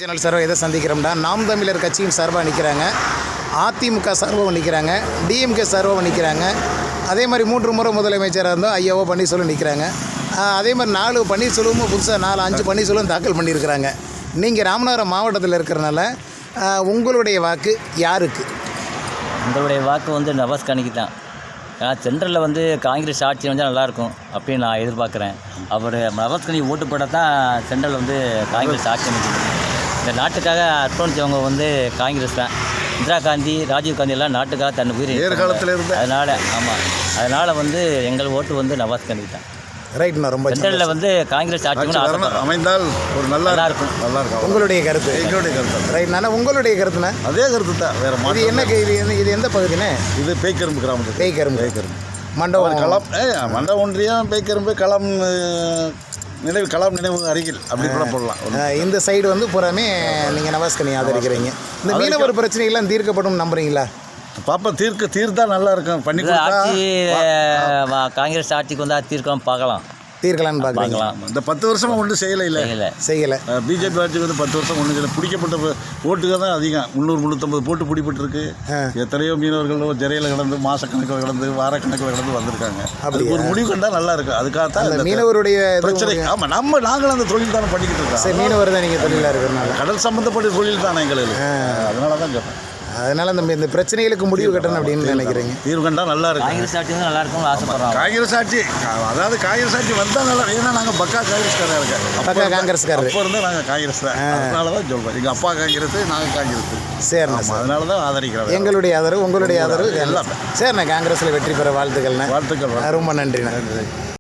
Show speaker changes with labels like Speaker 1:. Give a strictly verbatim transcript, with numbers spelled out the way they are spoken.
Speaker 1: Channel சார்பாக எதை சந்திக்கிறோம்னா நாம் தமிழர் கட்சியின் சார்பாக நிற்கிறாங்க, அதிமுக சார்பாக நிற்கிறாங்க, டிஎம்கே சார்பாக நிற்கிறாங்க. அதே மாதிரி மூன்று முறை முதலமைச்சராக இருந்தோம் ஐயாவோ பன்னீர்செல்வம் நிற்கிறாங்க. அதே மாதிரி நாலு பன்னீர்செல்வமும் புதுசாக நாலு அஞ்சு பன்னீர்செல்வம் தாக்கல் பண்ணியிருக்கிறாங்க. நீங்கள் ராமநாதபுரம் மாவட்டத்தில் இருக்கிறனால உங்களுடைய வாக்கு யாருக்கு?
Speaker 2: உங்களுடைய வாக்கு வந்து நவாஸ் கனிக்கு தான். ஏன்னா சென்ட்ரலில் வந்து காங்கிரஸ் ஆட்சி வந்தால் நல்லாயிருக்கும் அப்படின்னு நான் எதிர்பார்க்குறேன். அவர் நவாஸ் கனி ஓட்டு போட தான் சென்ட்ரல் வந்து காங்கிரஸ் ஆட்சி அமைச்சிருக்கு. இந்த நாட்டுக்காக அர்ப்பணித்தவங்க வந்து காங்கிரஸ் தான். இந்திரா காந்தி, ராஜீவ் காந்தி எல்லாம் நாட்டுக்காக தன் உயிர்
Speaker 3: ஏற்காலத்தில் இருந்து
Speaker 2: அதனால் ஆமாம் அதனால் வந்து எங்கள் ஓட்டு வந்து நவாஸ் கனிக்கு தான்.
Speaker 1: ரைட்ண்ணா, ரொம்ப
Speaker 2: சென்ட்ரலில் வந்து காங்கிரஸ் ஆட்சி
Speaker 3: அமைந்தால் ஒரு நல்லா இருக்கும். நல்லா இருக்கும்.
Speaker 1: உங்களுடைய கருத்து?
Speaker 3: எங்களுடைய கருத்து.
Speaker 1: ரைட்ண்ணா, உங்களுடைய கருத்துண்ணா?
Speaker 3: அதே கருத்து தான், வேறு
Speaker 1: இது என்ன இது இது எந்த பகுதிண்ணே?
Speaker 3: இது பேய்க்கரும்பு கிராமத்து.
Speaker 1: பேய்க்கரும்பு
Speaker 3: பேய்க்கரும்பு
Speaker 1: மண்டபம்
Speaker 3: களம் மண்ட ஒன்றியம் பேய்க்கரும்பு களம் நினைவு களம் நினைவு அருகில் அப்படி கூட போடலாம்.
Speaker 1: இந்த சைடு வந்து பூராமே நீங்கள் நவாஸ் கனி ஆதரிக்கிறீங்க. இந்த மீனவர் பிரச்சனைகள்லாம் தீர்க்கப்படும் நம்புறீங்களா?
Speaker 3: பாப்பா தீர்க்க தீர்த்தா நல்லா இருக்கும். பண்ணி
Speaker 2: ஆட்சி காங்கிரஸ் ஆட்சிக்கு வந்தால் தீர்க்கலாம், பார்க்கலாம்
Speaker 1: தீர்க்கலான்னு பார்க்கலாம்.
Speaker 3: இந்த பத்து வருஷமா ஒன்றும் செய்யலை இல்லை
Speaker 2: இல்லை
Speaker 1: செய்யலை. பிஜேபி
Speaker 3: ஆட்சிக்கு வந்து பத்து வருஷம் ஒன்றும் செய்யலை. பிடிக்கப்பட்ட ஓட்டுக்கு தான் அதிகம். முந்நூறு முந்நூற்றம்பது போட்டு பிடிப்பட்டிருக்கு. எத்தனையோ மீனவர்கள் ஜெரையில் கிடந்து மாதக்கணக்கில் கிடந்து வாரக்கணக்கில் கிடந்து வந்திருக்காங்க. அதுக்கு ஒரு முடிவு கண்டால் நல்லா இருக்கும். அதுக்காகத்தான்
Speaker 1: மீனவருடைய
Speaker 3: பிரச்சனை. ஆமாம், நம்ம நாங்களும் அந்த தொழில் தானே பண்ணிக்கிட்டு இருக்கோம்.
Speaker 1: சரி, மீனவர் தான் நீங்கள் தொழிலாக இருக்கிறனால
Speaker 3: கடல் சம்மந்தப்பட்ட தொழில் தானே எங்களுக்கு. அதனால தான் கேட்பேன்.
Speaker 1: அதனால் நம்ம இந்த பிரச்சனைகளுக்கு முடிவு கட்டணும் அப்படின்னு நினைக்கிறீங்க.
Speaker 3: தீர்வு கண்டால் நல்லா இருக்கும்.
Speaker 2: காங்கிரஸ் ஆட்சி வந்து நல்லா இருக்கும் ஆசைப்படுறோம்.
Speaker 3: காங்கிரஸ் ஆட்சி, அதாவது காங்கிரஸ் ஆட்சி வந்தால் நல்லா. ஏன்னா நாங்கள் பக்கா காங்கிரஸ்காரர் இருக்கேன்.
Speaker 1: பக்கா காங்கிரஸ்காரர்
Speaker 3: அப்போ இருந்தால் நாங்கள் காங்கிரஸ் தான். அதனால தான் சொல்கிறோம். எங்கள் அப்பா காங்கிரஸ், நாங்கள் காங்கிரஸ்.
Speaker 1: சரிண்ணா,
Speaker 3: அதனால தான் ஆதரிக்கிறோம்.
Speaker 1: எங்களுடைய ஆதரவு, உங்களுடைய ஆதரவு எல்லாம். சரிண்ணா, காங்கிரஸில் வெற்றி பெற வாழ்த்துக்கள்ண்ணா.
Speaker 3: வாழ்த்துக்கள்.
Speaker 1: ரொம்ப நன்றிண்ணா.